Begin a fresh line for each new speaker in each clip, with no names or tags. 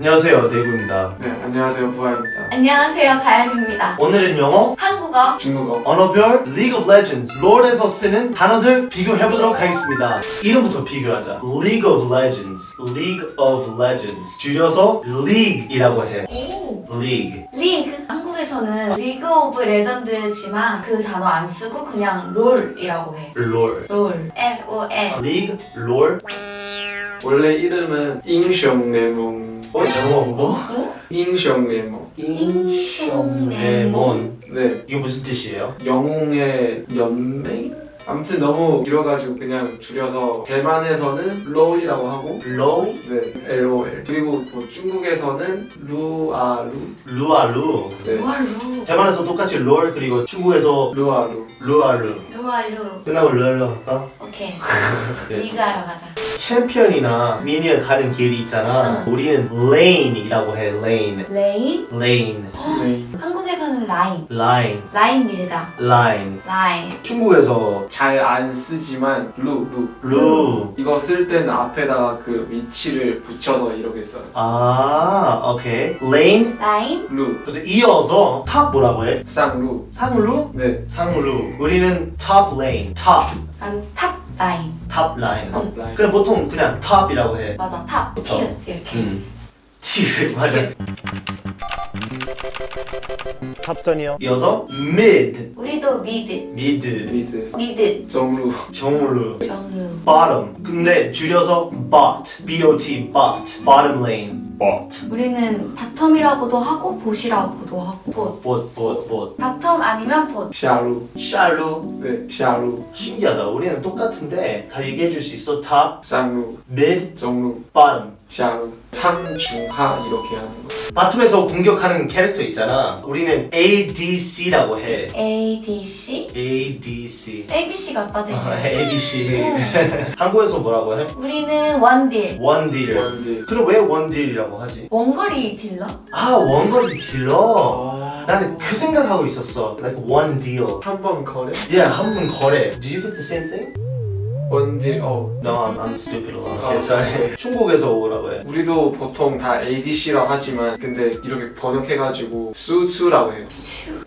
안녕하세요, 데이브입니다.
네, 안녕하세요. 부하입니다.
안녕하세요, 가연입니다.
오늘은 영어,
한국어,
중국어.
언어별, League of Legends, 롤에서 쓰는 단어들 비교해보도록 하겠습니다. 이름부터 비교하자. League of Legends, League of Legends. 줄여서 League이라고 해.
오,
League.
리그. 한국에서는 리그 오브 레전드지만 그 단어 안 쓰고 그냥 롤이라고 해.
롤.
롤. L-O-L.
League, 롤.
원래 이름은 잉숑레몬.
잠깐만, 뭐?
잉숑레몬.
인숑레몬.
네,
이게 무슨 뜻이에요?
영웅의 연맹? 아무튼 너무 길어가지고 그냥 줄여서 대만에서는 롤이라고 하고
로,
네, LOL. 그리고 뭐 중국에서는 루아루.
루아루.
네,
루알루.
대만에서 똑같이 롤, 그리고 중국에서
루아루.
루아루.
루알루.
끝나고 롤로 할까?
오케이.
네.
리그 하러 가자.
챔피언이나 미니언 가는 길이 있잖아. 우리는 lane이라고 해. lane.
레인.
lane.
네.
한국에서는 라인.
line.
라인 밀다.
line.
라인.
중국에서
잘 안 쓰지만 루.
루.
이거 쓸 때는 앞에다가 그 위치를 붙여서 이렇게 써요.
아, 오케이. lane.
라인.
루.
그래서 이어서 top 뭐라고 해?
쌍루.
상루?
네.
상루. 우리는 top lane. top.
난 탑 라인.
top line.
탑 라인.
그래 보통 그냥 top이라고 해.
맞아, 탑.
그쵸.
티읕 이렇게.
치 맞아.
티읕.
탑선이요. 이어서 mid.
우리도 미드.
mid.
미드.
미드.
정루.
정루.
정루.
bottom. 근데 줄여서 bot. B-O-T. bot. bottom lane. bot.
우리는 바텀이라고도 하고 봇이라고도 하고 봇.
bot.
바텀 아니면 봇.
샤루.
샬루.
네, 샤루.
신기하다. 우리는 똑같은데 다 얘기해 줄 수 있어. top,
쌍루.
mid,
정루.
bottom.
샤루. 상중하 이렇게 하는 거.
바텀에서 공격하는 캐릭터 있잖아. 우리는 ADC라고 해.
A, D, C?
ADC.
A, B, C 같다 되게.
ABC. 한국에서 뭐라고 해?
우리는 원딜.
원딜.
원딜.
그럼 왜 원딜이라고 하지?
원거리 딜러?
아, 원거리 딜러.
아,
나는 그 생각하고 있었어. Like one deal.
한번 거래?
Yeah, 한 번 거래. Do you think the same thing?
원딜.
No, I'm stupid a lot.
아.
Okay, sorry. 중국에서 뭐라고 해?
우리도 보통 다 ADC라고 하지만 근데 이렇게 번역해가지고 수추라고 해요.
수,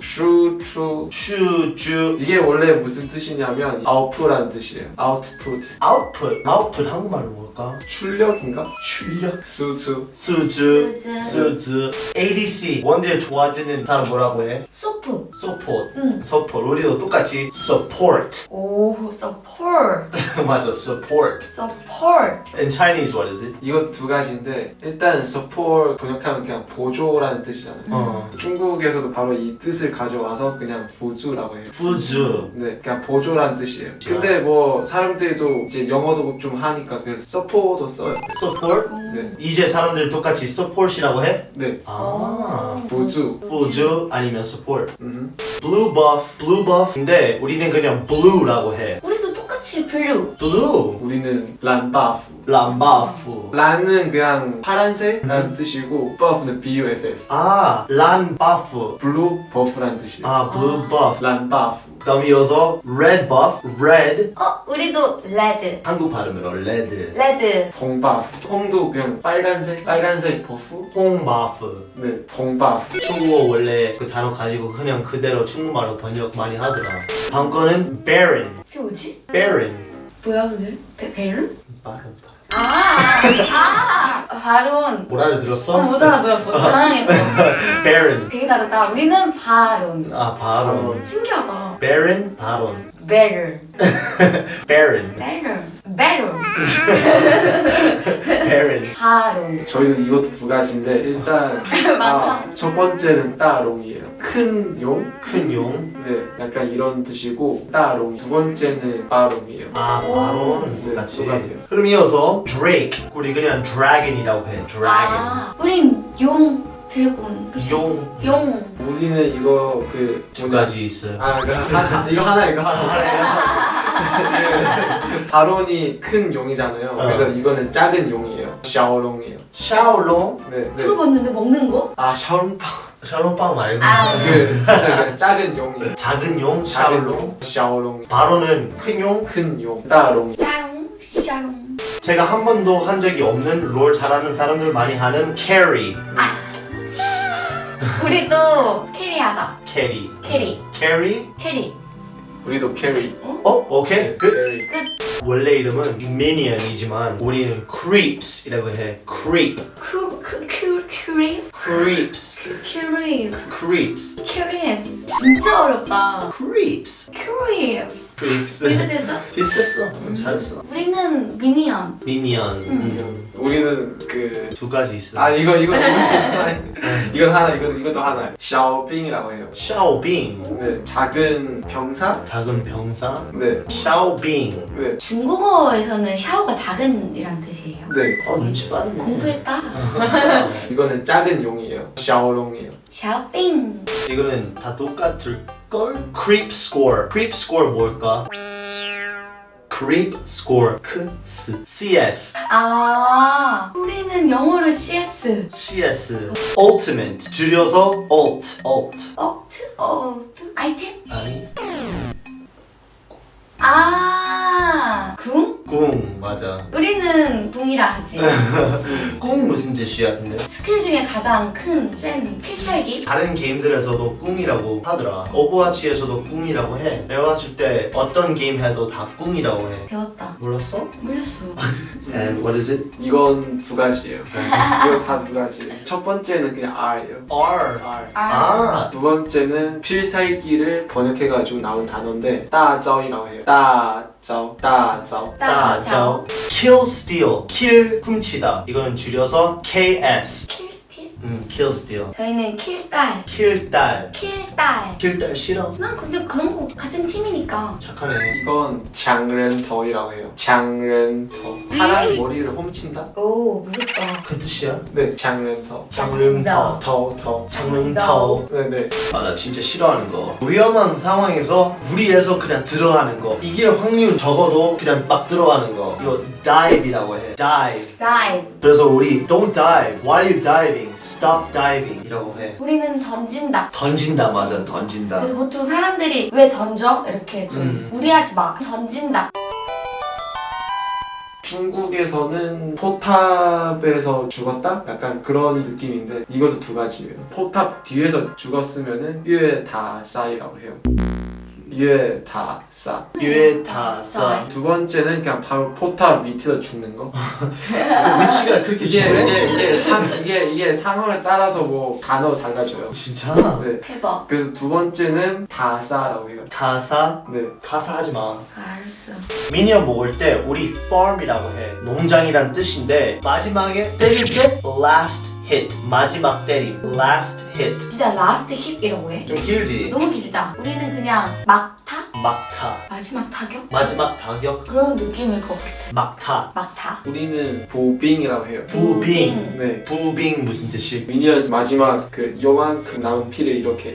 슈추.
슈,
이게 원래 무슨 뜻이냐면 아웃풋라는 뜻이에요. 아웃풋.
output. output 한국말로 뭘까?
출력인가?
출력.
수추.
수주,
수주.
수주. ADC. 원딜 좋아지는 사람 뭐라고 해?
소프.
support.
응.
support. 우리도 똑같이 support.
오, support.
맞아, support.
support.
In Chinese, what is it?
이거 두 가지인데 일단 support 번역하면 그냥 보조라는 뜻이잖아요. 중국에서도 바로 이 뜻을 가져와서 그냥 부주라고 해요.
부주.
네, 그냥 보조라는 뜻이에요. 근데 뭐 사람들도 이제 영어도 좀 하니까 그래서 support도 써요.
support.
네,
이제 사람들 똑같이 support이라고 해?
네,
아.
부주.
부주 아니면 support. blue buff. 근데 우리는 그냥 blue라고 해.
우리도 똑같이 블루.
blue.
우리는 란바프.
람바프.
란은 그냥 파란색이라는 뜻이고 buff는 BUFF.
아, 란바프.
블루 버프라는 뜻이에요.
아, blue buff.
란바프.
그다음 이어서 red buff. red.
우리도 레드.
한국 발음으로 red.
레드.
홍바프. 홍도 그냥 빨간색 버프.
홍바프.
네, 홍바프.
중국어 원래 그 단어 가지고 그냥 그대로 중국말로 번역 많이 하더라. 다음 거는 baron.
그게 뭐지?
baron.
뭐야 그게? 베른?
바론.
바론.
못 알아들었어?
못 알아보였어. 당황했어.
baron.
되게 다르다. 우리는 바론.
아, 바론.
신기하다.
baron, 바론.
베른.
baron.
베론.
baron.
바론.
저희는 이것도 두 가지인데 일단
많다.
첫 번째는 따롱이에요. 큰 용?
큰 용.
네, 약간 이런 뜻이고 따롱. 두 번째는 바롱이에요.
아, 바론.
네,
똑같이.
똑같아요.
그럼 이어서 drake. 우리 그냥 dragon이라고 해. dragon.
우린 용. 드래곤.
용.
용.
우리는 이거 그
두 가지 있어요.
이거 하나 그 바론이 큰 용이잖아요. 그래서 이거는 작은 용이에요. 샤오롱이에요.
샤오롱.
네.
들어봤는데 먹는 거?
아 샤오롱빵.
샤오롱빵 말고.
그 진짜 그냥 작은 용이에요.
작은 용.
작은
샤오롱.
용. 샤오롱.
바론은 큰 용.
큰 용. 따롱.
짜롱. 샤롱.
제가 한 번도 한 적이 없는 롤 잘하는 사람들 많이 하는 carry.
우리도 캐리하다.
carry.
캐리.
carry?
캐리.
우리도 캐리.
오케이. 끝.
캐리.
끝.
원래 이름은 minion이지만 우리는 creeps이라고 해. creep.
큐립.
creeps.
큐립.
creeps.
큐립. 진짜 어렵다.
creeps.
큐립.
creeps.
비슷했어?
비슷했어. 잘했어.
우리는 미니언.
minion.
우리는 그
두 가지 있어.
이건 하나 이것도 하나. 샤오빙이라고 해요.
샤오빙.
네, 작은 병사.
작은 병사.
네,
샤오빙.
네,
중국어에서는 샤오가 작은이란 뜻이에요.
네.
눈치 빠르네.
공부했다.
이거는 작은 용이에요. 샤오롱이에요.
샤오빙.
이거는 다 똑같을 걸? creep score. creep score 뭘까? creep score. CS.
아, 우리는 영어로 CS.
CS. ultimate. 줄여서 alt.
아이템?
아니.
아, 궁?
궁 맞아.
우리는 궁이라 하지.
궁 무슨 뜻이야 근데?
스킬 중에 가장 큰, 센 필살기?
다른 게임들에서도 궁이라고 하더라. 오버워치에서도 궁이라고 해. 배웠을 때 어떤 게임 해도 다 궁이라고 해.
배웠다.
몰랐어?
몰랐어.
And what is it?
이건 두 가지예요. 이거 다 두 가지. 첫 번째는 그냥 R예요.
R.
R.
아.
두 번째는 필살기를 번역해가지고 나온 단어인데 따자오이라고 해요. 따자오.
따자오. kill steal. kill 훔치다. 이거는 줄여서 KS.
킬스틸?
kill steal.
저희는 킬딸.
kill 딸.
킬딸.
kill 딸 싫어.
난 근데 그런 거 같은 팀이니까.
착하네.
이건 장른더이라고 해요. 장른더. 사람 머리를 훔친다?
오, 무섭다.
그 뜻이야?
네, 장른더.
장릉터.
더.
장릉터.
네네.
아, 나 진짜 싫어하는 거. 위험한 상황에서 무리해서 그냥 들어가는 거. 이길 확률 적어도 그냥 막 들어가는 거. 이거 dive이라고 해. dive.
다이브.
그래서 우리 don't dive. Why are you diving? Stop diving. 이라고 해.
우리는 던진다.
던진다 맞아. 던진다.
그래서 보통 사람들이 왜 던져? 이렇게 좀 무리하지 마. 던진다.
중국에서는 포탑에서 죽었다? 약간 그런 느낌인데 이것도 두 가지예요. 포탑 뒤에서 죽었으면은 유에다싸이라고 해요. 유에다싸.
유에타사.
두 번째는 그냥 바로 포탑 밑에서 죽는 거.
위치가 그렇게
이게 상황을 따라서 뭐 단어 달라져요.
진짜?
네.
대박.
그래서 두 번째는 다싸라고 해요.
타사?
네.
타사 하지 마.
알았어.
미니언 먹을 때 우리 farm이라고 해. 농장이란 뜻인데 마지막에 때릴 때 last hit. 마지막 때림. last hit.
진짜 라스트 힙이라고 해?
좀 길지?
너무 길다. 우리는 그냥 막타?
막타.
마지막 타격?
마지막 타격.
그런 느낌일 것 같아.
막타.
막타.
우리는 부빙이라고 해요.
부빙.
네.
부빙 무슨 뜻이?
미니언스 마지막 그 요만큼 남은 피를 이렇게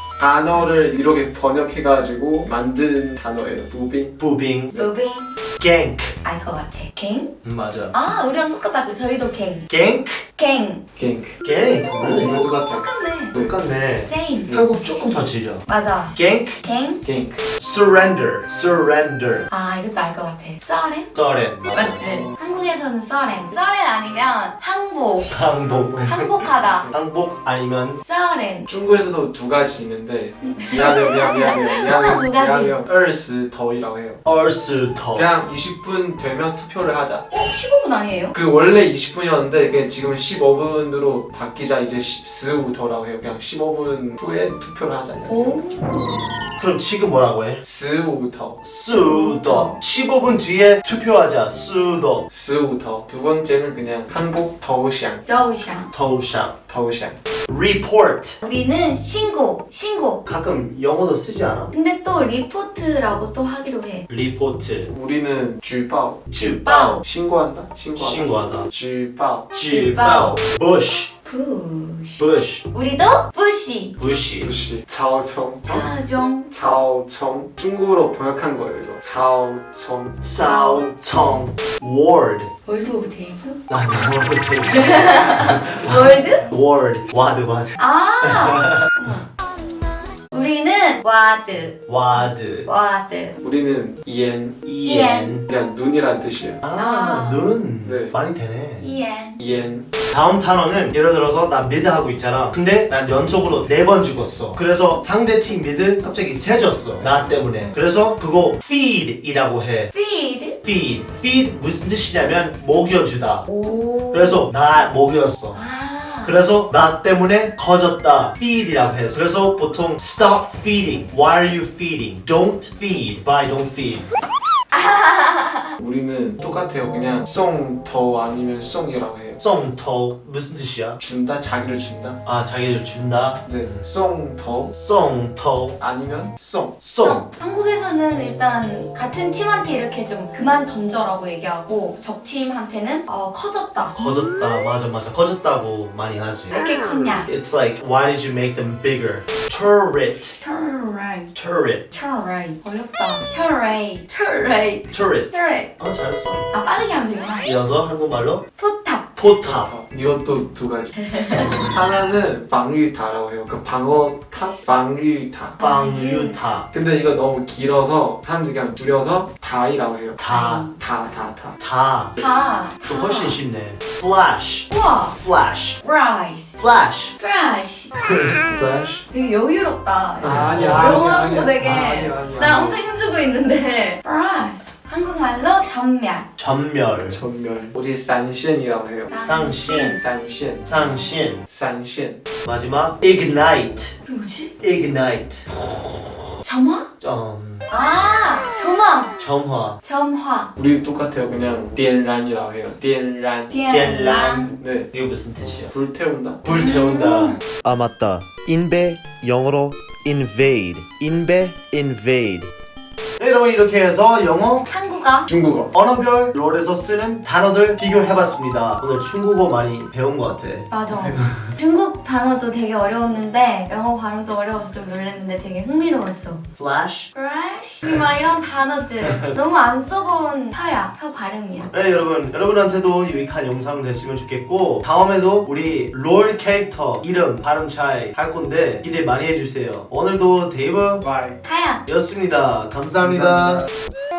단어를 이렇게 번역해가지고 만든 단어예요. 부빙.
부빙.
무빙.
갱크.
알 것 같아. 갱?
맞아.
아, 우리랑 똑같다. 저희도 갱.
갱크?
갱.
갱크.
갱.
이거 똑같아요.
똑같네.
똑같네.
same.
한국 조금 더 질려.
맞아.
갱크.
갱?
갱크.
surrender. surrender.
아, 이것도 알 것 같아. 써렌?
서렌.
맞지? 한국에서는 써렌. 써렌 아니면 항복.
항복.
항복하다.
항복 아니면
써렌.
중국에서도 두 가지 있는데 미안해요.
항상 두 가지.
미안해요. 얼스더이라고 해요.
얼스터.
그냥 20분 되면 투표를 하자.
15분 아니에요?
그 원래 20분이었는데 지금 15분으로 바뀌자 이제 15더라고 해요. 그냥 15분 후에 투표를 하자.
오.
그럼 지금 뭐라고 해?
15더.
수더. 15분 뒤에 투표하자. 수더.
15더. 두 번째는 그냥 항복 더우샹.
여우샹.
토샹.
더우샹.
report.
우리는 신고.
가끔 영어도 쓰지 않아?
근데 또 리포트라고 또 하기로 해.
리포트.
우리는 쥐바오.
쥐바오.
신고한다.
신고하다.
쥐바오.
쥐바오. bush.
부시.
bush.
우리도 부시.
부시.
부시. 차오청.
차종.
차오청. 중국어로 번역한 거예요 이거. 차오청.
싸우청. ward.
월드 오브 테이블?
아니 ward.
월드?
ward. 와드.
아! 우리는 우리는 와드.
와드.
와드.
우리는 이엔.
이엔.
그냥 눈이란 뜻이에요.
눈.
네.
많이 되네.
이엔.
이엔.
다음 단어는 예를 들어서 나 미드 하고 있잖아. 근데 난 연속으로 4번 죽었어. 그래서 상대 팀 미드 갑자기 세졌어. 나 때문에. 그래서 그거 feed이라고 해.
feed.
feed. feed 무슨 뜻이냐면 먹여주다.
오.
그래서 나 먹였어.
아.
그래서 나 때문에 커졌다. feed이라고 해서. 그래서 보통 stop feeding. Why are you feeding? Don't feed. Why don't feed?
우리는 똑같아요. 그냥 송 더 아니면 송이라고 해요.
썽터 무슨 뜻이야?
준다, 자기를 준다.
아 자기를 준다.
네, 송 더
썽터.
아니면 송.
썽.
한국에서는 일단 같은 팀한테 이렇게 좀 그만 던져라고 얘기하고 적 팀한테는 커졌다.
커졌다. 맞아. 커졌다고 많이 하지.
왜 이렇게 컸냐?
It's like why did you make them bigger? Turret.
Turn right.
Turret.
Turn right. 어렵다. Turn right. Turn right.
Turret.
Turn right.
잘했어.
아 빠르게 하면 되구나.
이어서 한국말로
포탑.
포탑.
이것도 두 가지. 하나는 방위타라고 해요. 그 방어탑, 방위타.
방유탑.
근데 이거 너무 길어서 사람들이 그냥 줄여서 다이라고 해요.
다.
다.
다.
다.
또 훨씬 쉽네. Flash.
우와.
Flash.
Rice.
Flash.
Fresh.
플래시.
되게 여유롭다.
아니야,
영어하는 거 되게
아니야.
나 엄청 힘주고 있는데. Rice. 한국말로 전멸.
전멸.
전멸. 우리 산신이라고 해요.
상신.
산신.
상신.
산신.
마지막 ignite.
그게 뭐지?
ignite.
점화? 점화.
점화.
점화.
우리 똑같아요. 그냥 띠엔란이라고 해요. 띠엔란.
띠엔란.
네.
이게 무슨 뜻이야?
불태운다.
불태운다.
아 맞다. 인베 영어로 invade. 인베 invade.
네, 여러분 이렇게 해서 영어
한국어.
중국어.
언어별 롤에서 쓰는 단어들 비교해봤습니다. 오늘 중국어 많이 배운 것 같아.
맞아. 중국 단어도 되게 어려웠는데 영어 발음도 어려워서 좀 놀랐는데 되게 흥미로웠어.
Flash.
Fresh. 막 이런 단어들 너무 안 써본 혀 발음이야.
네 여러분한테도 유익한 영상 됐으면 좋겠고 다음에도 우리 롤 캐릭터 이름 발음 차이 할 건데 기대 많이 해주세요. 오늘도 데이브
바이.
하얀.
였습니다. 감사합니다.